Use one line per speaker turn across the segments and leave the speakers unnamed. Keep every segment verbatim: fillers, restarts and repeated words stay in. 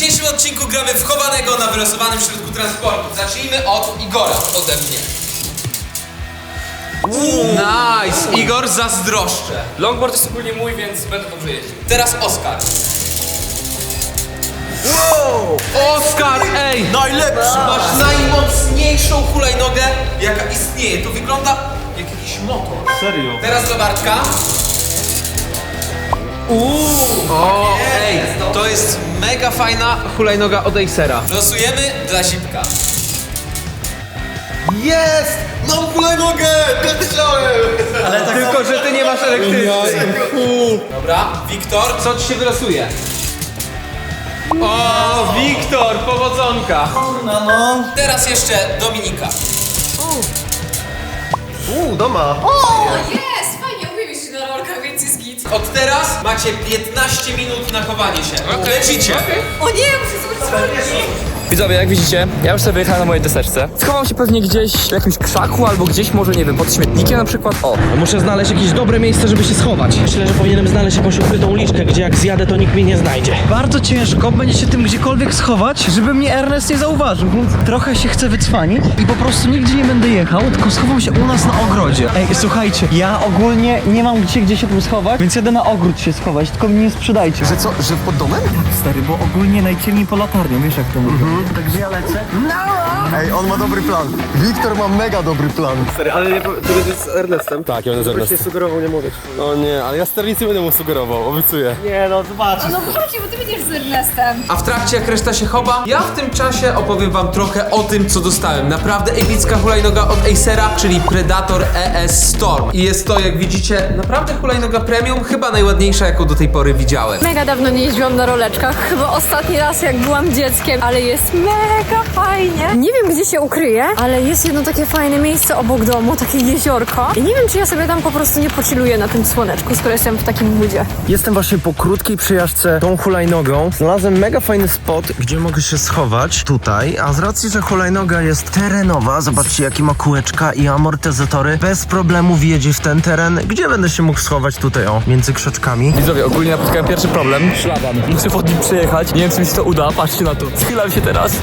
dzisiejszym odcinku gramy w chowanego na wylosowanym środku transportu. Zacznijmy od Igora, ode mnie. Nice! Igor, zazdroszczę.
Longboard jest ogólnie mój, więc będę dobrze jeździł.
Teraz Oskar.
Wow!
Oskar, ej!
Najlepszy!
Masz najmocniejszą hulajnogę, jaka istnieje. To wygląda jak jakiś motor.
Serio?
Teraz do Bartka. Uuu! O, ej, to jest mega fajna hulajnoga od Acera. Losujemy dla Zipka.
Jest! Mam hulajnogę! Tak myślałem! Ale tak
Tylko, że ty nie masz elektrycznej. Dobra, Wiktor, co ci się wylosuje? O, Wiktor, powodzonka.
Kurna no!
Teraz jeszcze Dominika.
Uuu, doma!
O, jest! Fajnie, umiem jeździć na rolkach, więc jest git.
Od teraz macie piętnaście minut na chowanie się.
Okej.
Lecicie.
O nie, muszę zobaczyć rolki.
Widzowie, jak widzicie, ja już sobie wyjechałem na mojej deseczce. Schowam się pewnie gdzieś w jakimś krzaku albo gdzieś może, nie wiem, pod śmietnikiem na przykład. O,
Muszę znaleźć jakieś dobre miejsce, żeby się schować. Myślę, że powinienem znaleźć jakąś ukrytą uliczkę, gdzie jak zjadę, to nikt mnie nie znajdzie.
Bardzo ciężko będzie się tym gdziekolwiek schować, żeby mnie Ernest nie zauważył, więc trochę się chcę wycwanić i po prostu nigdzie nie będę jechał, tylko schowam się u nas na ogrodzie. Ej, słuchajcie, ja ogólnie nie mam gdzie, gdzie się tu schować, więc jadę na ogród się schować, tylko mnie nie sprzedajcie.
Że co, że pod domem?
Stary, bo ogólnie najciemniej po latarnią, wiesz jak to wygląda. Także ja lecę.
Ej, on ma dobry plan. Wiktor ma mega dobry plan.
Stary, ale nie, ty będziesz z Ernestem? Tak, ja będę z Ernestem. Byś nie sugerował, nie mówić. No nie, ale ja sternicy będę mu sugerował, obiecuję.
Nie no, zobaczysz.
No wróci, bo ty będziesz z Ernestem.
A w trakcie, jak reszta się chowa, ja w tym czasie opowiem wam trochę o tym, co dostałem. Naprawdę epicka hulajnoga od Acera, czyli Predator E S Storm. I jest to, jak widzicie, naprawdę hulajnoga premium, chyba najładniejsza, jaką do tej pory widziałem.
Mega dawno nie jeździłam na roleczkach, chyba ostatni raz jak byłam dzieckiem, ale jest mega fajnie. Nie wiem gdzie się ukryję, ale jest jedno takie fajne miejsce obok domu, takie jeziorko. I nie wiem czy ja sobie tam po prostu nie pochilluję na tym słoneczku, skoro jestem w takim budzie.
Jestem właśnie po krótkiej przejażdżce tą hulajnogą. Znalazłem mega fajny spot, gdzie mogę się schować tutaj, a z racji, że hulajnoga jest terenowa, zobaczcie jakie ma kółeczka i amortyzatory, bez problemu wjedzie w ten teren, gdzie będę się mógł schować tutaj, o, między krzaczkami.
widzowie, ogólnie napotkałem pierwszy problem. Szlaban. Muszę pod nim przejechać. Nie wiem, czy mi się to uda. Patrzcie na to. Schylam się teraz.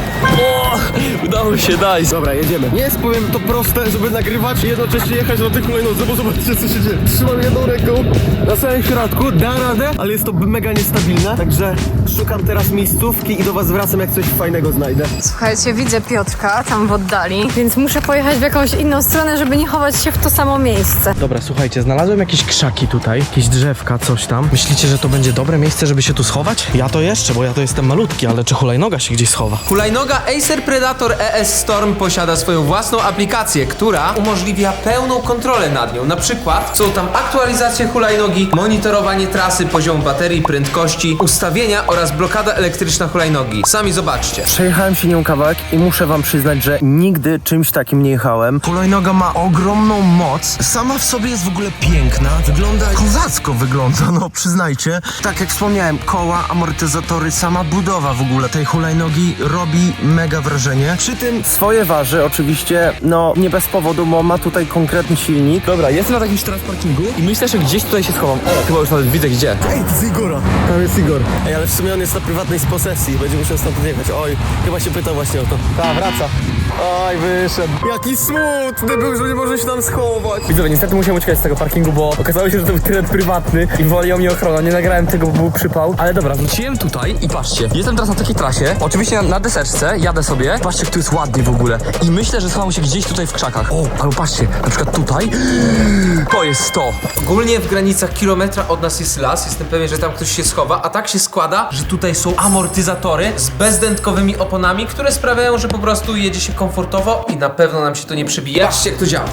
O, udało się, daj.
Dobra, jedziemy. Nie jest, powiem, to proste, żeby nagrywać i jednocześnie jechać na tych hulajnodze, bo zobaczcie, co się dzieje. Trzymam jedną ręką na samym środku, da radę, ale jest to mega niestabilne, także szukam teraz miejscówki i do was wracam, jak coś fajnego znajdę.
Słuchajcie, widzę Piotrka tam w oddali, więc muszę pojechać w jakąś inną stronę, żeby nie chować się w to samo miejsce.
Dobra, słuchajcie, znalazłem jakieś krzaki tutaj, jakieś drzewka, coś tam. Myślicie, że to będzie dobre miejsce, żeby się tu schować? Ja to jeszcze, bo ja to jestem malutki, ale czy hulajnoga się gdzieś schowa?
Hulajnoga Acer Predator E S Storm posiada swoją własną aplikację, która umożliwia pełną kontrolę nad nią. Na przykład są tam aktualizacje hulajnogi, monitorowanie trasy, poziomu baterii, prędkości, ustawienia oraz blokada elektryczna hulajnogi. Sami zobaczcie.
Przejechałem się nią kawałek i muszę wam przyznać, że nigdy czymś takim nie jechałem. Hulajnoga ma ogromną moc, sama w sobie jest w ogóle piękna, wygląda kozacko wygląda, no przyznajcie. Tak jak wspomniałem, koła, amortyzatory, sama budowa w ogóle tej hulajnogi robi mega wrażenie. Przy tym swoje waży oczywiście, no nie bez powodu, bo ma tutaj konkretny silnik.
Dobra, jestem na takim parkingu i myślę, że gdzieś tutaj się schowam. O, chyba już nawet widzę gdzie.
Ej, to jest Igora. Tam jest Igor. Ej, ale w sumie on jest na prywatnej posesji, będzie musiał stąd odjechać. Oj, chyba się pytał właśnie o to. Ta, wraca. Oj, wyszedł. Jaki smutny był, że nie może się tam schować.
Widzowie, niestety musiałem uciekać z tego parkingu, bo okazało się, że to był teren prywatny i woli o mnie ochrona. Nie nagrałem tego, bo był przypał. Ale dobra, wróciłem tutaj i patrzcie. Jestem teraz na takiej trasie, oczywiście na, na deseczce, jadę sobie. Patrzcie, jak tu jest ładnie w ogóle. I myślę, że schowam się gdzieś tutaj w krzakach. O, albo patrzcie, na przykład tutaj. To jest to.
Ogólnie w granicach kilometra od nas jest las, jestem pewien, że tam ktoś się schowa, a tak się składa, że tutaj są amortyzatory z bezdętkowymi oponami, które sprawiają, że po prostu jedzie się komfortowo i na pewno nam się to nie przebije. Patrzcie, jak to działa.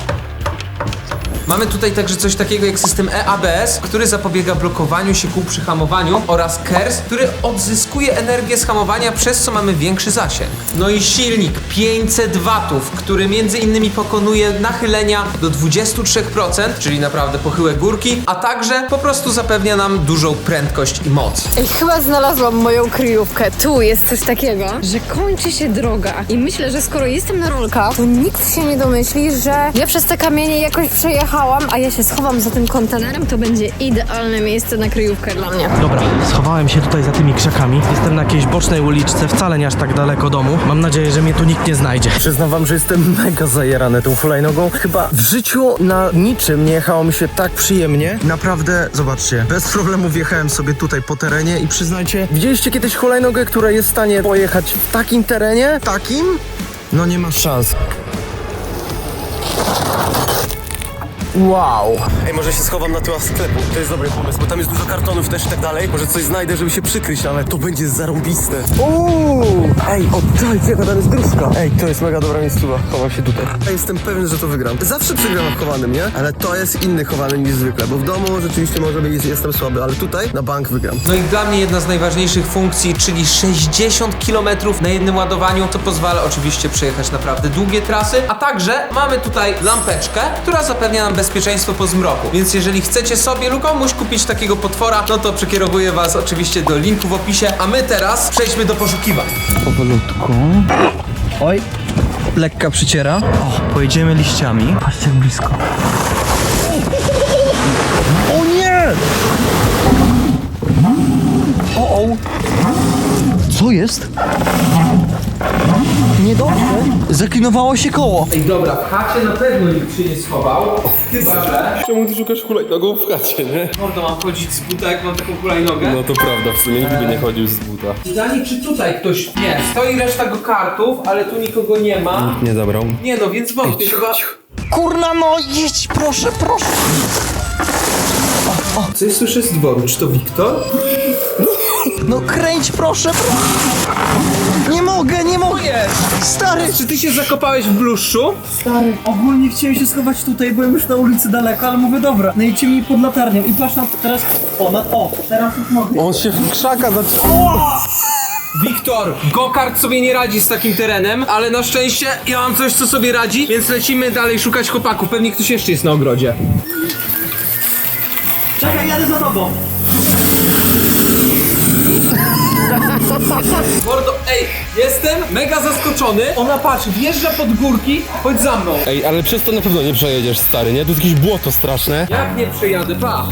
Mamy tutaj także coś takiego jak system E A B S, który zapobiega blokowaniu się kół przy hamowaniu, oraz KERS, który odzyskuje energię z hamowania, przez co mamy większy zasięg. No i silnik pięćset watów, który między innymi pokonuje nachylenia do dwudziestu trzech procent, czyli naprawdę pochyłe górki, a także po prostu zapewnia nam dużą prędkość i moc.
Ej, chyba znalazłam moją kryjówkę. Tu jest coś takiego, że kończy się droga. I myślę, że skoro jestem na rolkach, to nikt się nie domyśli, że ja przez te kamienie jakoś przejechałam przyjechałam, a ja się schowam za tym kontenerem, to będzie idealne miejsce na kryjówkę dla mnie.
Dobra, schowałem się tutaj za tymi krzakami. Jestem na jakiejś bocznej uliczce, wcale nie aż tak daleko domu. Mam nadzieję, że mnie tu nikt nie znajdzie.
Przyznam wam, że jestem mega zajarany tą hulajnogą. Chyba w życiu na niczym nie jechało mi się tak przyjemnie. Naprawdę, zobaczcie, bez problemu wjechałem sobie tutaj po terenie i przyznajcie, widzieliście kiedyś hulajnogę, która jest w stanie pojechać w takim terenie? Takim? No nie ma szans. Wow.
Ej, może się schowam na tyłach sklepu. To jest dobry pomysł, bo tam jest dużo kartonów też i tak dalej. Może coś znajdę, żeby się przykryć, ale to będzie zarąbiste.
Uuu! Ej, oddajcie, jaka tam jest dróżka. Ej, to jest mega dobra miejscowa. Chowam się tutaj. Ja jestem pewien, że to wygram. Zawsze przegram chowanym, nie? Ale to jest inny chowany niż zwykle, bo w domu rzeczywiście może być, jestem słaby, ale tutaj na bank wygram.
No i dla mnie jedna z najważniejszych funkcji, czyli sześćdziesiąt kilometrów na jednym ładowaniu, to pozwala oczywiście przejechać naprawdę długie trasy, a także mamy tutaj lampeczkę, która zapewnia nam bezpieczeństwo po zmroku. Więc jeżeli chcecie sobie lub komuś kupić takiego potwora, no to przekierowuję was oczywiście do linku w opisie, a my teraz przejdźmy do poszukiwań.
Powolutku. Oj, lekka przyciera. O, pojedziemy liściami. Patrzcie jak blisko. O nie! O, o. Co jest? Niedobrze. Zaklinowało się koło.
Ej, dobra, w chacie na pewno nikt się nie schował, chyba że...
Czemu ty szukasz hulajnogą w chacie, nie?
Mordo, mam chodzić z buta, jak mam taką hulajnogę?
No to prawda, w sumie nigdy by nie chodził z buta.
Pytanie, czy tutaj ktoś... Nie, stoi reszta go kartów, ale tu nikogo nie ma.
Nie zabrał.
Nie no, więc wątpię, chyba...
Kurna no, jedź, proszę, proszę.
Coś słyszę z dworu, czy to Wiktor?
No kręć, proszę, proszę. Nie mogę, nie mogę. Stary.
Czy ty się zakopałeś w bluszczu?
Stary, ogólnie chciałem się schować tutaj, byłem już na ulicy daleko, ale mówię dobra, najciemniej pod latarnią i patrz na teraz, o, na, o, teraz już mogę.
On się w krzaka zatrzymał.
Wiktor, go-kart sobie nie radzi z takim terenem, ale na szczęście ja mam coś, co sobie radzi, więc lecimy dalej szukać chłopaków. Pewnie ktoś jeszcze jest na ogrodzie.
Czekaj, jadę za tobą.
Mordo, ej, jestem mega zaskoczony. Ona, patrz, wjeżdża pod górki, chodź za mną.
Ej, ale przez to na pewno nie przejedziesz, stary, nie? To jest jakieś błoto straszne.
Jak nie przejadę, pa.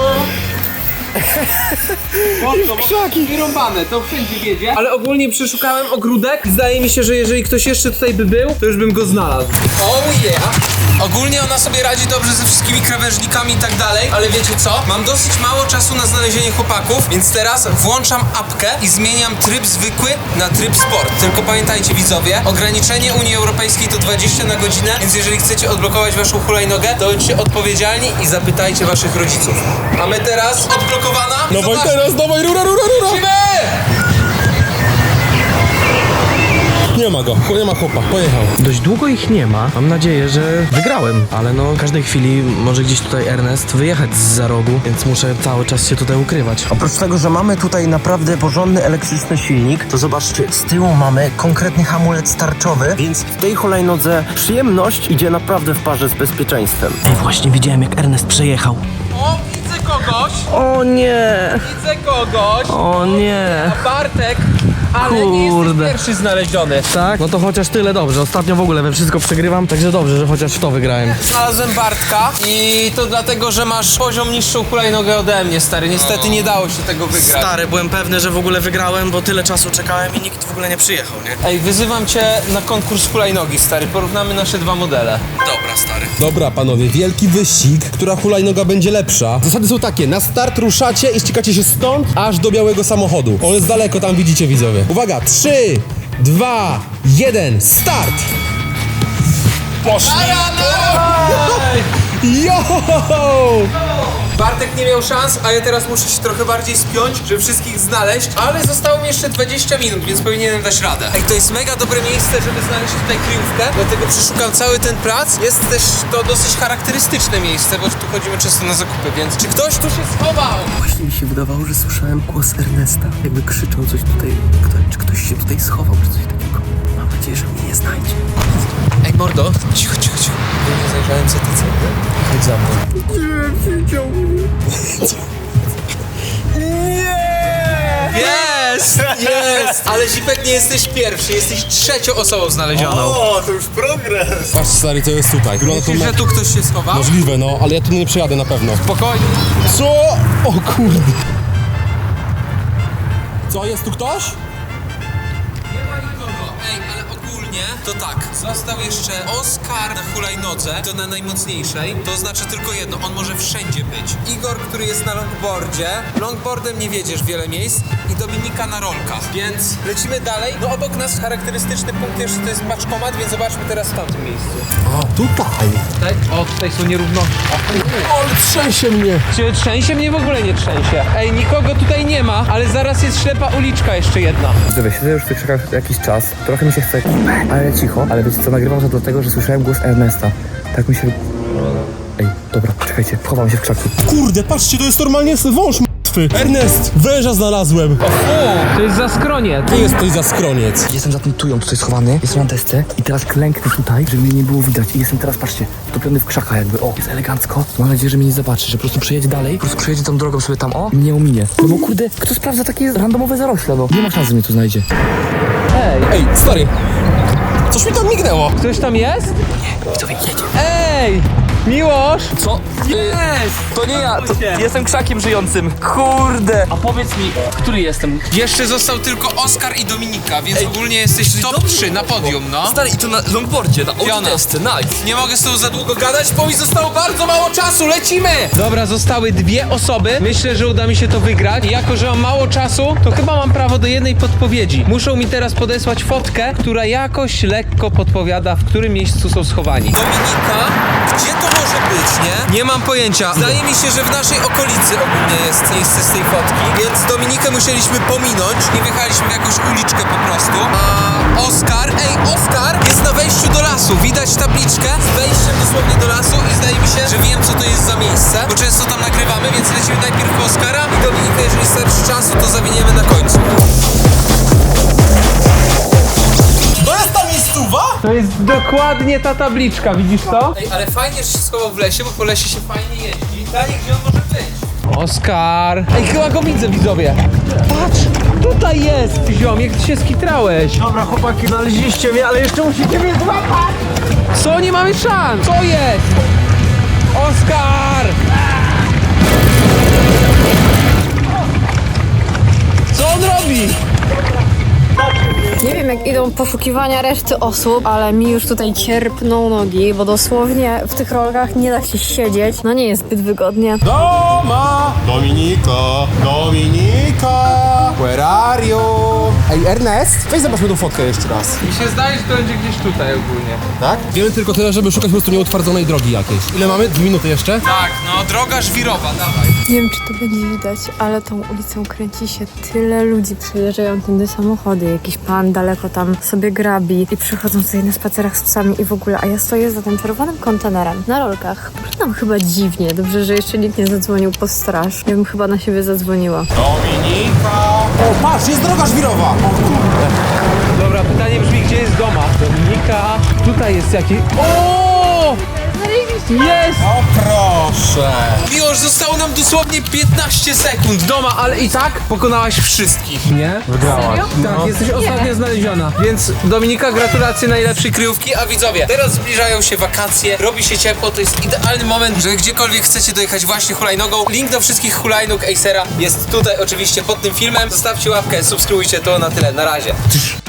Mocno, krzaki wyrąbane, to wszędzie wiedzie. Ale ogólnie przeszukałem ogródek. Zdaje mi się, że jeżeli ktoś jeszcze tutaj by był, to już bym go znalazł. Oh yeah! Ogólnie ona sobie radzi dobrze ze wszystkimi krawężnikami i tak dalej, ale wiecie co? Mam dosyć mało czasu na znalezienie chłopaków, więc teraz włączam apkę i zmieniam tryb zwykły na tryb sport. Tylko pamiętajcie widzowie, ograniczenie Unii Europejskiej to dwadzieścia na godzinę, więc jeżeli chcecie odblokować waszą hulajnogę, to bądźcie odpowiedzialni i zapytajcie waszych rodziców. A my teraz odblokowana.
Dawaj teraz, dawaj, rura, rura, rura!
Lecimy!
Nie ma go, nie ma chłopa, pojechał.
Dość długo ich nie ma. Mam nadzieję, że wygrałem. Ale no, w każdej chwili może gdzieś tutaj Ernest wyjechać z rogu, więc muszę cały czas się tutaj ukrywać.
Oprócz tego, że mamy tutaj naprawdę porządny elektryczny silnik, to zobaczcie, z tyłu mamy konkretny hamulec tarczowy, więc w tej hulajnodze przyjemność idzie naprawdę w parze z bezpieczeństwem.
Ej, właśnie widziałem jak Ernest przejechał.
O, widzę kogoś!
O nie,
Widzę kogoś!
o nie.
A Bartek, ale nie jesteś
Kurde.
pierwszy znaleziony.
Tak? No to chociaż tyle dobrze. Ostatnio w ogóle we wszystko przegrywam, także dobrze, że chociaż w to wygrałem.
Znalazłem Bartka i to dlatego, że masz poziom niższą hulajnogę ode mnie, stary. Niestety nie dało się tego wygrać.
Stary, byłem pewny, że w ogóle wygrałem, bo tyle czasu czekałem i nikt w ogóle nie przyjechał, nie?
Ej, wyzywam cię na konkurs hulajnogi, stary. Porównamy nasze dwa modele.
Dobra, stary.
Dobra, panowie, wielki wyścig, która hulajnoga będzie lepsza. Zasady są takie, na start ruszacie i ściekacie się stąd, aż do białego samochodu. On jest daleko, tam widzicie widzowie. Uwaga, trzy, dwa, jeden, start! Poszli! Jo!
Bartek nie miał szans, a ja teraz muszę się trochę bardziej spiąć, żeby wszystkich znaleźć, ale zostało mi jeszcze dwadzieścia minut, więc powinienem dać radę. Ej, to jest mega dobre miejsce, żeby znaleźć tutaj kryjówkę, dlatego przeszukam cały ten plac. Jest też to dosyć charakterystyczne miejsce, bo tu chodzimy często na zakupy, więc czy ktoś tu się schował?
Właśnie mi się wydawało, że słyszałem głos Ernesta, jakby krzyczał coś tutaj, kto, czy ktoś się tutaj schował, czy coś takiego. Mam nadzieję, że mnie nie znajdzie.
Ej, mordo, cicho, cicho, cicho. Ja nie zajrzałem za ty cegłę. Chodź za mną. Nie, widział mnie. Nie! Jest! Jest! Jest! Ale Zipek, nie jesteś pierwszy, jesteś trzecią osobą znalezioną.
O, to już progres.
Patrz stary, to jest tutaj. Wygląda to
Myślisz, że tu ktoś się schował?
możliwe, no, ale ja tu nie przejadę na pewno.
Spokojnie.
Co? O kurde. Co, jest tu ktoś?
Nie ma nikogo. Ej, ale ogólnie to tak. Został jeszcze Oskar na hulajnodze, to na najmocniejszej. To znaczy tylko jedno, on może wszędzie być. Igor, który jest na longboardzie. Longboardem nie wiedziesz wiele miejsc. I Dominika na rolkach. Więc lecimy dalej. No obok nas charakterystyczny punkt jeszcze to jest paczkomat, więc zobaczmy teraz w tamtym miejscu.
A, tutaj.
Tutaj? O, tutaj są nierówności.
Ale trzęsie mnie.
Czy trzęsie? Mnie w ogóle nie trzęsie. Ej, nikogo tutaj nie ma, ale zaraz jest ślepa uliczka jeszcze jedna.
Widzowie, siedzę już w tych krzakach jakiś czas. Trochę mi się chce, ale cicho. Ale wiecie co, nagrywam to dlatego, że słyszałem głos Ernesta. Tak mi się... Ej, dobra, czekajcie, wchowam się w krzaku.
Kurde, patrzcie, to jest normalnie wąż martwy. Ernest, węża znalazłem.
O, to jest zaskronie.
Ty jesteś za skroniec.
Jestem za tą tują tutaj schowany, jestem na desce i teraz klęknę tutaj, żeby mnie nie było widać. I jestem teraz, patrzcie, topiony w krzakach jakby, o, jest elegancko. Mam nadzieję, że mnie nie zobaczy, że po prostu przejedzie dalej, po prostu przejedzie tą drogą sobie tam, o, i mnie ominie. No bo kurde, kto sprawdza takie randomowe zarośla, no? Nie ma szans, że mnie tu znajdzie.
Ej, stary. Coś mi tam mignęło.
Ktoś tam jest?
Widzowie, jedzie.
Ej! Miłosz!
Co? Jest! To nie ja, to jestem krzakiem żyjącym. Kurde! A powiedz mi, który jestem?
Jeszcze został tylko Oskar i Dominika, więc ogólnie jesteś top trzy na podium, no.
Stary, i to na longboardzie, na
Fiona.
autodesce, nice.
Nie mogę z tobą za długo gadać, bo mi zostało bardzo mało czasu, lecimy! Dobra, zostały dwie osoby. Myślę, że uda mi się to wygrać. I jako, że mam mało czasu, to chyba mam prawo do jednej podpowiedzi. Muszą mi teraz podesłać fotkę, która jakoś lekko podpowiada, w którym miejscu są schowani. Dominika, gdzie to może być, nie? Nie mam pojęcia. Zdaje mi się, że w naszej okolicy ogólnie jest miejsce z tej fotki, więc Dominikę musieliśmy pominąć. Nie wjechaliśmy w jakąś uliczkę po prostu. A Oskar, ej, Oskar jest na wejściu do lasu. Widać tabliczkę z wejściem dosłownie do lasu i zdaje mi się, że wiem, co to jest za miejsce, bo często tam nagrywamy, więc lecimy najpierw po Oskara i Dominikę, jeżeli starczy czasu, to zawiniemy na końcu.
To jest ta miejscowa?
To jest dokładnie ta tabliczka, widzisz to? Ej, ale fajnie, że się schował w lesie, bo po lesie się fajnie jeździ. Pytanie, gdzie on może być? Oskar! Ej, chyba go widzę, widzowie! Patrz! Tutaj jest! Ziom, jak ty się skitrałeś?
Dobra, chłopaki, znaleźliście mnie, ale jeszcze musicie mnie złapać!
Co? Nie mamy szans! Co jest? Oskar! Co on robi?
Nie wiem, jak idą poszukiwania reszty osób, ale mi już tutaj cierpną nogi, bo dosłownie w tych rolkach nie da się siedzieć. No nie jest zbyt wygodnie.
Doma! Dominika! Dominika! Where are you? Ej, Ernest, weź zobaczmy tą fotkę jeszcze raz.
Mi się zdaje, że to będzie gdzieś tutaj ogólnie.
Tak? Wiemy tylko tyle, żeby szukać po prostu nieutwardzonej drogi jakiejś. Ile mamy? Dwie minuty jeszcze?
Tak, no droga żwirowa, dawaj.
Nie wiem, czy to będzie widać, ale tą ulicą kręci się tyle ludzi. Przejeżdżają tędy samochody, jakiś pan daleko tam sobie grabi i przychodzą sobie na spacerach z psami i w ogóle, a ja stoję za tym czerwonym kontenerem na rolkach. Wyglądam chyba dziwnie. Dobrze, że jeszcze nikt nie zadzwonił po straż. Ja bym chyba na siebie zadzwoniła.
Dominika! O, patrz, jest droga żwirowa! O kurde!
Dobra, pytanie brzmi, gdzie jest doma? Dominika, tutaj jest jakiś... O! Jest!
O proszę!
Miłosz, zostało nam dosłownie piętnaście sekund doma, ale i tak pokonałaś wszystkich, nie?
Wygrałaś.
Tak, jesteś ostatnio znaleziona. Więc Dominika, gratulacje najlepszej kryjówki, a widzowie, teraz zbliżają się wakacje, robi się ciepło, to jest idealny moment, że gdziekolwiek chcecie dojechać właśnie hulajnogą. Link do wszystkich hulajnóg Acera jest tutaj oczywiście pod tym filmem. Zostawcie łapkę, subskrybujcie to, na tyle, na razie.